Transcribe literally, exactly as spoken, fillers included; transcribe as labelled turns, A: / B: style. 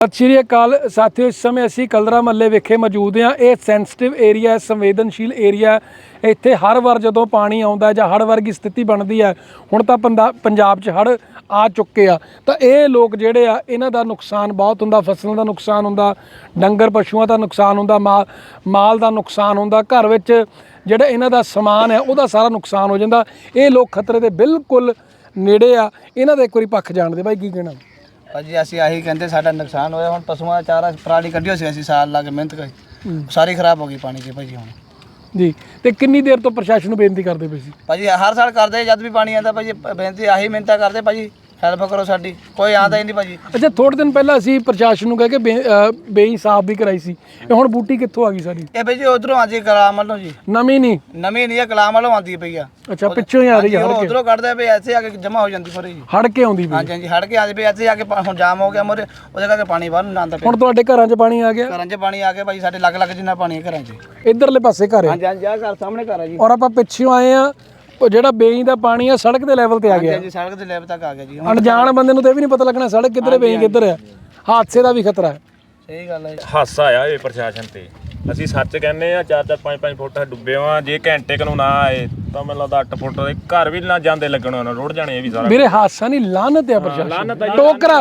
A: ਸਤਿ ਸ਼੍ਰੀ ਅਕਾਲ ਸਾਥੀਓ, ਇਸ ਸਮੇਂ ਅਸੀਂ ਕਲਦਰਾ ਮਹੱਲੇ ਵਿਖੇ ਮੌਜੂਦ ਹਾਂ। ਇਹ ਸੈਂਸਿਟਿਵ ਏਰੀਆ, ਸੰਵੇਦਨਸ਼ੀਲ ਏਰੀਆ। ਇੱਥੇ ਹਰ ਵਾਰ ਜਦੋਂ ਪਾਣੀ ਆਉਂਦਾ ਜਾਂ ਹੜ੍ਹ ਵਰਗੀ ਸਥਿਤੀ ਬਣਦੀ ਹੈ, ਹੁਣ ਤਾਂ ਪੰਦਾ ਪੰਜਾਬ 'ਚ ਹੜ੍ਹ ਆ ਚੁੱਕੇ ਆ, ਤਾਂ ਇਹ ਲੋਕ ਜਿਹੜੇ ਆ ਇਹਨਾਂ ਦਾ ਨੁਕਸਾਨ ਬਹੁਤ ਹੁੰਦਾ। ਫਸਲਾਂ ਦਾ ਨੁਕਸਾਨ ਹੁੰਦਾ, ਡੰਗਰ ਪਸ਼ੂਆਂ ਦਾ ਨੁਕਸਾਨ ਹੁੰਦਾ, ਮਾਲ ਮਾਲ ਦਾ ਨੁਕਸਾਨ ਹੁੰਦਾ, ਘਰ ਵਿੱਚ ਜਿਹੜਾ ਇਹਨਾਂ ਦਾ ਸਮਾਨ ਹੈ ਉਹਦਾ ਸਾਰਾ ਨੁਕਸਾਨ ਹੋ ਜਾਂਦਾ। ਇਹ ਲੋਕ ਖਤਰੇ ਦੇ ਬਿਲਕੁਲ ਨੇੜੇ ਆ। ਇਹਨਾਂ ਦਾ ਇੱਕ ਵਾਰੀ ਪੱਖ ਜਾਣਦੇ। ਬਾਈ ਕੀ ਕਹਿਣਾ?
B: ਭਾਜੀ ਅਸੀਂ ਆਹੀ ਕਹਿੰਦੇ ਸਾਡਾ ਨੁਕਸਾਨ ਹੋਇਆ। ਹੁਣ ਪਸ਼ੂਆਂ ਦਾ ਚਾਰਾ ਪਰਾਲੀ ਕੱਢਿਓ ਸੀ ਅਸੀਂ ਸਾਲ ਲਾ ਕੇ ਮਿਹਨਤ ਕਰੀ, ਸਾਰੀ ਖਰਾਬ ਹੋ ਗਈ ਪਾਣੀ 'ਚ ਭਾਜੀ। ਹੁਣ
A: ਜੀ, ਤੇ ਕਿੰਨੀ ਦੇਰ ਤੋਂ ਪ੍ਰਸ਼ਾਸਨ ਨੂੰ ਬੇਨਤੀ ਕਰਦੇ ਪਏ ਸੀ?
B: ਭਾਜੀ ਹਰ ਸਾਲ ਕਰਦੇ, ਜਦ ਵੀ ਪਾਣੀ ਆਉਂਦਾ ਭਾਜੀ ਬੇਨਤੀ ਆਹੀ ਮਿਹਨਤਾਂ ਕਰਦੇ, ਭਾਜੀ ਹੈਲਪ ਕਰੋ ਸਾਡੀ, ਕੋਈ ਆਉਂਦਾ ਹੀ ਨਹੀਂ ਭਾਜੀ।
A: ਅੱਛਾ, ਥੋੜੇ ਦਿਨ ਪਹਿਲਾਂ ਅਸੀਂ ਪ੍ਰਸ਼ਾਸਨ ਨੂੰ ਕਹਿ ਕੇ ਬੇ ਬੇਈ ਸਾਫ ਵੀ ਕਰਾਈ ਸੀ। ਇਹ ਹੁਣ ਬੂਟੀ ਕਿੱਥੋਂ ਆ ਗਈ ਸਾਡੀ?
B: ਇਹ ਭਾਜੀ ਉਧਰੋਂ ਆਉਂਦੀ ਕਲਾਮ ਵੱਲੋਂ ਜੀ,
A: ਨਵੀਂ ਨਹੀਂ
B: ਨਵੀਂ ਨਹੀਂ ਹੈ, ਕਲਾਮ ਵੱਲੋਂ ਆਉਂਦੀ ਪਈ ਆ।
A: ਅੱਛਾ, ਪਿੱਛੋਂ ਹੀ ਆ ਰਹੀ ਹੈ, ਹੜ ਕੇ
B: ਉਧਰੋਂ ਕੱਢਦੇ ਪਏ, ਇੱਥੇ ਆ ਕੇ ਜਮਾ ਹੋ ਜਾਂਦੀ ਫਿਰ ਜੀ।
A: ਹੜ ਕੇ ਆਉਂਦੀ ਪਈ।
B: ਹਾਂਜੀ ਹਾਂਜੀ, ਹੜ ਕੇ ਆਉਂਦੀ ਪਈ, ਇੱਥੇ ਆ ਕੇ ਪਾ- ਹੁਣ ਜਾਮ ਹੋ ਗਿਆ ਮੋਰੇ, ਉਹਦੇ ਕਰਕੇ ਪਾਣੀ ਬਾਹਰ ਨੂੰ ਆਉਂਦਾ ਪਿਆ।
A: ਹੁਣ ਤੁਹਾਡੇ ਘਰਾਂ 'ਚ ਪਾਣੀ ਆ ਗਿਆ?
B: ਘਰਾਂ 'ਚ ਪਾਣੀ ਆ ਗਿਆ ਭਾਜੀ, ਸਾਡੇ ਲੱਗ ਲੱਗ ਜਿੰਨਾ ਪਾਣੀ ਹੈ ਘਰਾਂ 'ਚ।
A: ਇਧਰਲੇ ਪਾਸੇ ਘਰ ਹੈ।
B: ਹਾਂਜੀ ਹਾਂਜੀ, ਆਹ ਘਰ ਸਾਹਮਣੇ ਘਰ ਹੈ ਜੀ।
A: ਔਰ ਆਪਾਂ ਪਿੱਛੋਂ ਆਏ ਆ, ਉਹ ਜਿਹੜਾ ਬੇਈ ਦਾ ਪਾਣੀ ਆ ਸੜਕ ਦੇ ਲੈਵਲ ਤੇ ਆ ਗਿਆ।
B: ਹਾਂਜੀ, ਸੜਕ ਦੇ ਲੈਵਲ ਤੱਕ ਆ ਗਿਆ ਜੀ।
A: ਅਣਜਾਣ ਬੰਦੇ ਨੂੰ ਤਾਂ ਇਹ ਵੀ ਨਹੀਂ ਪਤਾ ਲੱਗਣਾ ਸੜਕ ਕਿੱਧਰ ਹੈ, ਬੇਈ ਕਿੱਧਰ ਹੈ। ਹਾਦਸੇ ਦਾ ਵੀ ਖਤਰਾ ਹੈ।
B: ਸਹੀ ਗੱਲ ਹੈ।
C: ਹਾਸਾ ਆ ਇਹ ਪ੍ਰਸ਼ਾਸਨ ਤੇ। ਅਸੀਂ ਸੱਚ ਕਹਿੰਦੇ ਆ, ਚਾਰ ਚਾਰ ਪੰਜ ਪੰਜ ਫੁੱਟ ਡੁੱਬੇ ਆ। ਜੇ ਘੰਟੇ ਕੁ ਨੂੰ ਨਾ ਆਏ ਤਾਂ ਮੈਨੂੰ ਲੱਗਦਾ ਅੱਠ ਫੁੱਟ ਦੇ ਘਰ ਵੀ ਨਾ ਜਾਂਦੇ ਲੱਗਣ, ਉਹਨਾਂ ਰੁੜ ਜਾਣੇ ਇਹ ਵੀ ਸਾਰਾ।
A: ਮੇਰੇ ਹਾਦਸਾ ਨਹੀਂ, ਲਾਨਤ ਹੈ ਪ੍ਰਸ਼ਾਸਨ, ਟੋਕਰਾ।